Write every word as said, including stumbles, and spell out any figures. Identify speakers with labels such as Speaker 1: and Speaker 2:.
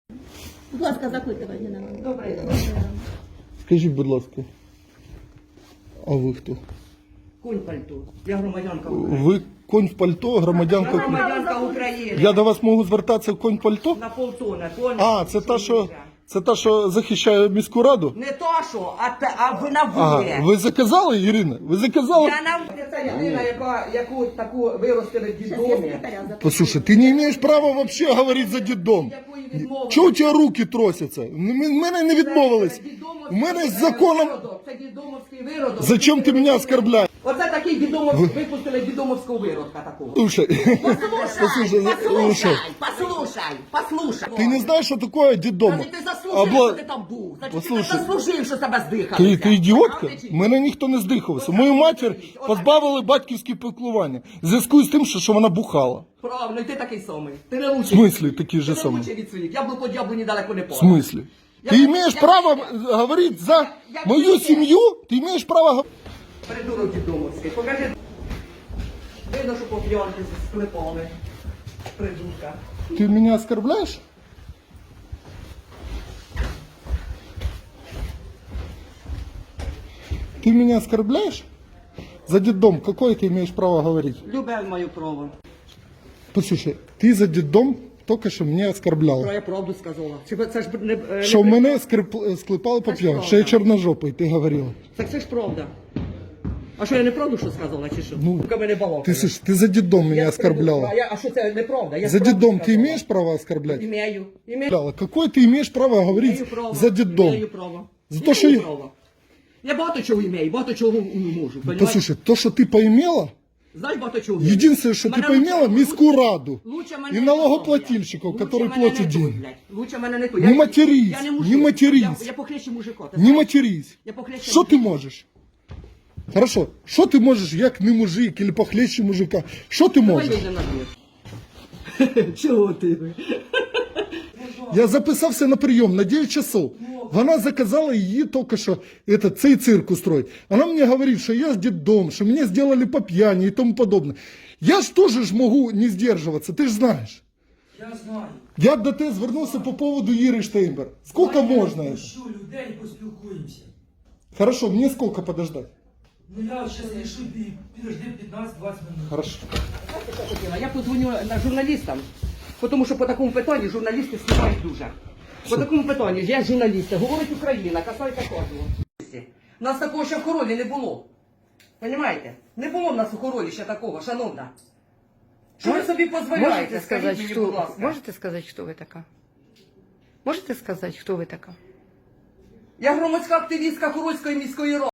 Speaker 1: Будь ласка, запитування на мене.
Speaker 2: Добре.
Speaker 3: Скажіть, будь ласка, а ви хто?
Speaker 2: Конь пальто. Я громадянка України.
Speaker 3: Ви конь в пальто,
Speaker 2: Я
Speaker 3: громадянка.
Speaker 2: громадянка України.
Speaker 3: Я до вас можу звертатися конь в пальто?
Speaker 2: На полтона. Конь.
Speaker 3: А, це та, що, це та, що захищає міську раду?
Speaker 2: Не то що, а, те, а ви на
Speaker 3: Ага,
Speaker 2: вулиці.
Speaker 3: ви заказали, Ірина? Ви заказали?
Speaker 2: Я на Це людина, яка, яку таку виростили в дідомі.
Speaker 3: Послушай, ты не имеешь права вообще говорить за дідом.
Speaker 2: Якої відмовили.
Speaker 3: Чого у тебе руки тросяться? У мене не відмовились. У мене з законом...
Speaker 2: Це дідомовський виродок.
Speaker 3: Зачем ти мене оскорбляєш?
Speaker 2: Оце такий дідомовський, випустили дідомовського виродка такого.
Speaker 3: Слушай,
Speaker 2: Послушай,
Speaker 3: слушай,
Speaker 2: послушай, послушай.
Speaker 3: ти не знаєш, що таке дідом?
Speaker 2: Значить, ти заслужив,
Speaker 3: Обла-
Speaker 2: що ти там був. Значить,
Speaker 3: Послухай.
Speaker 2: ти заслужив, що тебе здихали.
Speaker 3: Ти, ти ідіотка? Мене ніхто не здихався. Мою матір позбавили батьківські піклування. В зв'язку з тим, що, що вона бухала.
Speaker 2: Правильно, і ти такий самий. Ти не лучший.
Speaker 3: В смислі такий же
Speaker 2: Ти не
Speaker 3: самий?
Speaker 2: лучший від своїх. Яблуко дьяволу недалеко не
Speaker 3: В
Speaker 2: падає.
Speaker 3: смислі?
Speaker 2: Я
Speaker 3: Ти
Speaker 2: не-
Speaker 3: маєш
Speaker 2: я-
Speaker 3: право
Speaker 2: я-
Speaker 3: говорити за
Speaker 2: я-
Speaker 3: мою
Speaker 2: я-
Speaker 3: сім'ю? Ти маєш право говорити?
Speaker 2: Придурок дідомовський. Покажи. Видно, що по п'янки склепали. Придурка.
Speaker 3: Ты меня оскорбляешь? Ты меня оскорбляешь? За детдом какое ты имеешь право говорить?
Speaker 2: Любе мою право.
Speaker 3: Послушай, ты за детдом только що мене
Speaker 2: Про
Speaker 3: оскорбляла.
Speaker 2: я правду сказала. Чи це ж не, не
Speaker 3: Що мене скрип- склепали по
Speaker 2: Це ж
Speaker 3: п'яну, що я
Speaker 2: правда.
Speaker 3: чорножопий, ти говорила.
Speaker 2: Так це ж правда. А що я не правду що сказала, чи що?
Speaker 3: Ну,
Speaker 2: Сука, мене балакає.
Speaker 3: Ти, слушай, ти за детдом
Speaker 2: Я
Speaker 3: мене
Speaker 2: скажу,
Speaker 3: оскорбляла.
Speaker 2: А, я, а що це неправда? Я
Speaker 3: За
Speaker 2: правду
Speaker 3: детдом ты
Speaker 2: сказала.
Speaker 3: имеешь право оскорблять?
Speaker 2: Імею. Імею.
Speaker 3: Оскорбляла. Какое ты имеешь право говорить
Speaker 2: Імею право.
Speaker 3: за детдом?
Speaker 2: Імею право.
Speaker 3: За
Speaker 2: Імею
Speaker 3: то, що я-
Speaker 2: право. Я багато чого імею, багато чого не можу. Понимаєш?
Speaker 3: Послушай, то, що ти поімела,
Speaker 2: Знаєш багато чого вмію?
Speaker 3: единственное, что ты
Speaker 2: Мене
Speaker 3: поимела,
Speaker 2: лучше-
Speaker 3: міську раду
Speaker 2: Лучше мене
Speaker 3: и
Speaker 2: не
Speaker 3: налогоплательщиков,
Speaker 2: Лучше
Speaker 3: которые
Speaker 2: мене
Speaker 3: платят
Speaker 2: не той,
Speaker 3: деньги.
Speaker 2: блядь. Лучше мене не той.
Speaker 3: Не
Speaker 2: Я-
Speaker 3: матерись,
Speaker 2: я
Speaker 3: не
Speaker 2: мужик.
Speaker 3: матерись.
Speaker 2: Я, я похлеще мужика. ти
Speaker 3: Не
Speaker 2: знаєш?
Speaker 3: матерись.
Speaker 2: Я похлеще
Speaker 3: Що ти
Speaker 2: мужика.
Speaker 3: можеш? Хорошо, що ти можеш, як не мужик, или похлеще мужика? Що ти
Speaker 2: Давай
Speaker 3: можеш?
Speaker 2: вийдемо на двір. Чого ти?
Speaker 3: Я записався на прийом на дев'ять часов. Вона заказала її тільки що этот, цей цирк устроить. Вона мені говорить, що я з дитдом, що мене зробили по п'яні і тому подобне. Я ж теж ж можу не здержуватися, ти ж знаєш.
Speaker 4: Я знаю.
Speaker 3: Я до тебе звернувся по поводу Іри Штейнбер. Сколько можна?
Speaker 4: Я
Speaker 3: это?
Speaker 4: пущу людей, поспілкуємося.
Speaker 3: Хорошо, мне сколько подождать?
Speaker 4: Ну я зараз рішу, ти підожди п'ятнадцять-двадцять минут.
Speaker 3: Хорошо.
Speaker 2: Я подзвоню на журналістам, тому що по такому питанню журналісти знімають дуже. По такому питанню, я журналіст, говорить Україна, касається кожного. У нас такого ще в Хоролі не було. Понімаєте? Не було в нас у Хоролі ще такого, шановна. Що ви собі дозволяєте?
Speaker 5: Можете
Speaker 2: Скажіть
Speaker 5: сказать,
Speaker 2: мені,
Speaker 5: что,
Speaker 2: будь ласка.
Speaker 5: можете сказать, кто вы такая? Можете сказать, кто вы такая?
Speaker 2: Я громадська активістка Хорольської міської ради.